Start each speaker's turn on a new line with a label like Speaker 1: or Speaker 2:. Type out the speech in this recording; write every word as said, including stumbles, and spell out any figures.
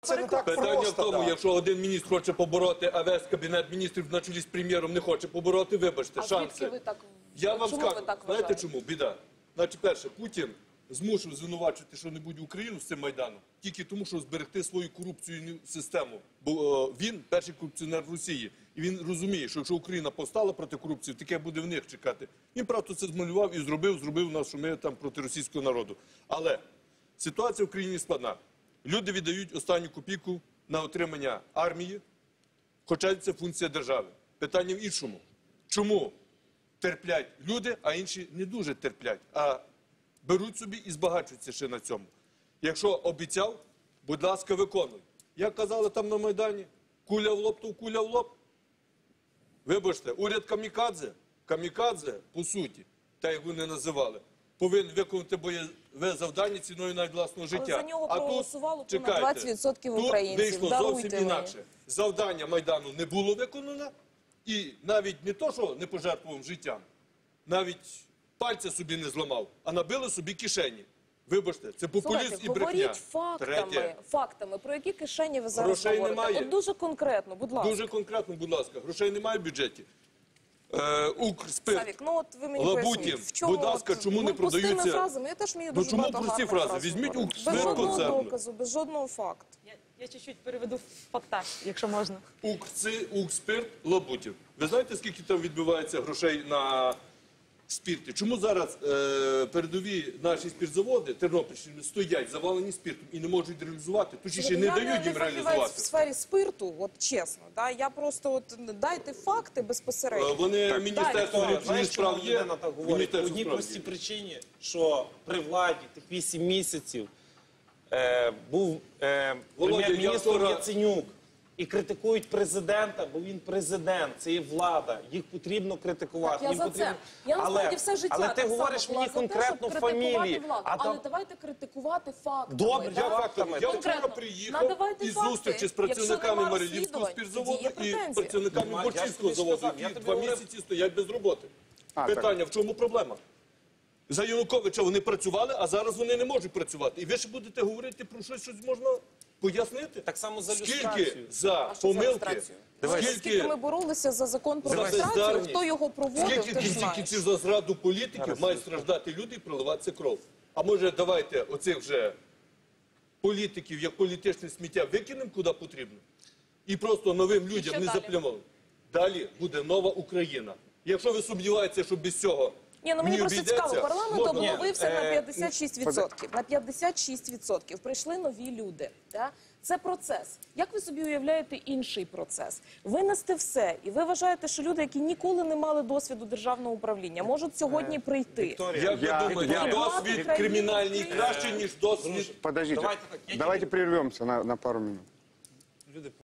Speaker 1: Це не так
Speaker 2: Питання
Speaker 1: просто,
Speaker 2: в тому,
Speaker 1: да.
Speaker 2: якщо один міністр хоче побороти, а весь кабінет міністрів на чолі з прем'єром не хоче побороти, вибачте,
Speaker 3: А
Speaker 2: шанси.
Speaker 3: звідки ви так,
Speaker 2: Я вам
Speaker 3: чому
Speaker 2: скажу,
Speaker 3: ви так
Speaker 2: знаєте
Speaker 3: вважаєте?
Speaker 2: чому? Біда. Значить, перше, Путін змушив звинувачувати що-небудь Україну з цим Майданом тільки тому, щоб зберегти свою корупційну систему. Бо е, він перший корупціонер в Росії. І він розуміє, що якщо Україна повстала проти корупції, таке буде в них чекати. Він, правда, це змалював і зробив, зробив нас, що ми там проти російського народу. Але ситуація в країні складна. Люди віддають останню копійку на отримання армії, хоча це функція держави. Питання в іншому. Чому терплять люди, а інші не дуже терплять, а беруть собі і збагачуються ще на цьому? Якщо обіцяв, будь ласка, виконуй. Як казали там на Майдані, куля в лоб, то куля в лоб. Вибачте, уряд камікадзе, камікадзе, по суті, так як вони називали, повинен виконати бойове завдання ціною навіть власного життя.
Speaker 3: Але за нього
Speaker 2: а
Speaker 3: проголосувало
Speaker 2: тут,
Speaker 3: понад
Speaker 2: чекайте,
Speaker 3: двадцять відсотків українців.
Speaker 2: Тут вийшло
Speaker 3: Даруйте
Speaker 2: зовсім
Speaker 3: мені.
Speaker 2: інакше. Завдання Майдану не було виконано, і навіть не то, що не пожертвував життям, навіть пальця собі не зламав, а набили собі кишені. Вибачте, це популізм
Speaker 3: Слухайте,
Speaker 2: і брехня.
Speaker 3: говоріть фактами,
Speaker 2: Третє.
Speaker 3: фактами. Про які кишені ви зараз
Speaker 2: Грошей
Speaker 3: говорите?
Speaker 2: немає.
Speaker 3: От дуже конкретно, будь ласка.
Speaker 2: Дуже конкретно, будь ласка, грошей немає в бюджеті. Е, Укрспирт,
Speaker 3: Савік, ну от ви мені
Speaker 2: Лабутін,
Speaker 3: поясніть, в чому,
Speaker 2: будь ласка,
Speaker 3: от,
Speaker 2: чому не
Speaker 3: ну, простими
Speaker 2: продаються-
Speaker 3: фразами, я теж вмію
Speaker 2: Ну,
Speaker 3: дуже
Speaker 2: чому
Speaker 3: багато
Speaker 2: прості
Speaker 3: гарних
Speaker 2: фрази?
Speaker 3: фраз
Speaker 2: Візьміть
Speaker 3: говорити.
Speaker 2: Укрспирт
Speaker 3: Без жодного
Speaker 2: концерну.
Speaker 3: доказу, без жодного факту.
Speaker 4: Я, я чуть-чуть переведу в фактаж, якщо можна.
Speaker 2: Укрци, Укрспирт, Лабутів. Ви знаєте, скільки там відбувається грошей на спірті? Чому зараз е, передові наші спіртзаводи Тернопільщини стоять завалені спиртом і не можуть реалізувати? Точніше, не
Speaker 3: я
Speaker 2: дають
Speaker 3: не
Speaker 2: їм
Speaker 3: фахівець
Speaker 2: реалізувати.
Speaker 3: в сфері спирту, от чесно. Да? Я просто от дайте факти
Speaker 2: Е,
Speaker 3: безпосередньо.
Speaker 2: Вони, Міністерство
Speaker 3: далі.
Speaker 2: внутрішніх
Speaker 1: Знаєш, чому
Speaker 2: справ є,
Speaker 1: людина так говорить? По
Speaker 2: Міністерство
Speaker 1: одній
Speaker 2: справ
Speaker 1: простій
Speaker 2: є.
Speaker 1: причині, що при владі тих вісім місяців е, був е,
Speaker 2: Володя, я
Speaker 1: прем'єр-міністром
Speaker 2: вчора-
Speaker 1: Яценюк. І критикують президента, бо він президент, це є влада. Їх потрібно критикувати.
Speaker 3: Так, я
Speaker 1: їм
Speaker 3: за
Speaker 1: потрібно...
Speaker 3: це. Я насправді
Speaker 1: але,
Speaker 3: все життя
Speaker 1: але ти
Speaker 3: так само
Speaker 1: говориш
Speaker 3: була
Speaker 1: мені
Speaker 3: за те,
Speaker 1: конкретно
Speaker 3: щоб критикувати
Speaker 1: фамілії.
Speaker 3: владу.
Speaker 1: А
Speaker 3: Але
Speaker 1: там...
Speaker 3: давайте критикувати фактами.
Speaker 1: Добре,
Speaker 3: да?
Speaker 2: Я фактами. Я вчора
Speaker 3: Конкретно.
Speaker 2: приїхав
Speaker 3: Надавайте
Speaker 2: із
Speaker 3: факти.
Speaker 2: зустрічі з
Speaker 3: Якщо
Speaker 2: працівниками
Speaker 3: нема
Speaker 2: Марилівського
Speaker 3: розслідувань,
Speaker 2: спіртзаводу
Speaker 3: тоді є
Speaker 2: і
Speaker 3: претензії.
Speaker 2: працівниками
Speaker 1: Нема, я ж
Speaker 2: Борчівського
Speaker 1: тобі
Speaker 2: заводу,
Speaker 1: сказав, я
Speaker 2: які
Speaker 1: тобі
Speaker 2: два
Speaker 1: говорив.
Speaker 2: місяці стоять без роботи.
Speaker 5: А,
Speaker 2: Питання, в чому проблема? За Януковича вони працювали, а зараз вони не можуть працювати. І ви ще будете говорити про щось, щось можна пояснити?
Speaker 1: Так само за
Speaker 2: Скільки
Speaker 1: люстрацію.
Speaker 2: за
Speaker 3: А що за
Speaker 2: помилки,
Speaker 3: люстрацію? Скільки
Speaker 2: скільки
Speaker 3: ми боролися за закон про
Speaker 2: за
Speaker 3: люстрацію,
Speaker 2: бездарність,
Speaker 3: хто його проводив,
Speaker 2: скільки
Speaker 3: ти
Speaker 2: в
Speaker 3: ж
Speaker 2: кінці
Speaker 3: знаєш.
Speaker 2: кінців за зраду політиків мають страждати люди і проливатися кров. А може давайте оцих вже політиків, як політичне сміття, викинемо куди потрібно? І просто новим людям
Speaker 3: що
Speaker 2: не
Speaker 3: далі?
Speaker 2: заплямовуємо. Далі буде нова Україна. Якщо ви сумніваєтеся, що без цього
Speaker 3: Ні, ну мені
Speaker 2: не
Speaker 3: просто
Speaker 2: обійдеться,
Speaker 3: цікаво, парламент
Speaker 2: можна-
Speaker 3: обновився
Speaker 1: Ні,
Speaker 3: на
Speaker 1: е,
Speaker 3: п'ятдесят шість відсотків. На п'ятдесят шість відсотків прийшли нові люди. Да? Це процес. Як ви собі уявляєте інший процес? Винести все. І ви вважаєте, що люди, які ніколи не мали досвіду державного управління, можуть сьогодні прийти?
Speaker 1: Вікторія,
Speaker 2: Як ви
Speaker 5: Я-
Speaker 2: думаєте,
Speaker 5: я-
Speaker 2: досвід кримінальний краще, ніж досвід?
Speaker 5: Подождите,
Speaker 1: Давайте так, я
Speaker 5: давайте прервемся на, на пару минут.
Speaker 1: люди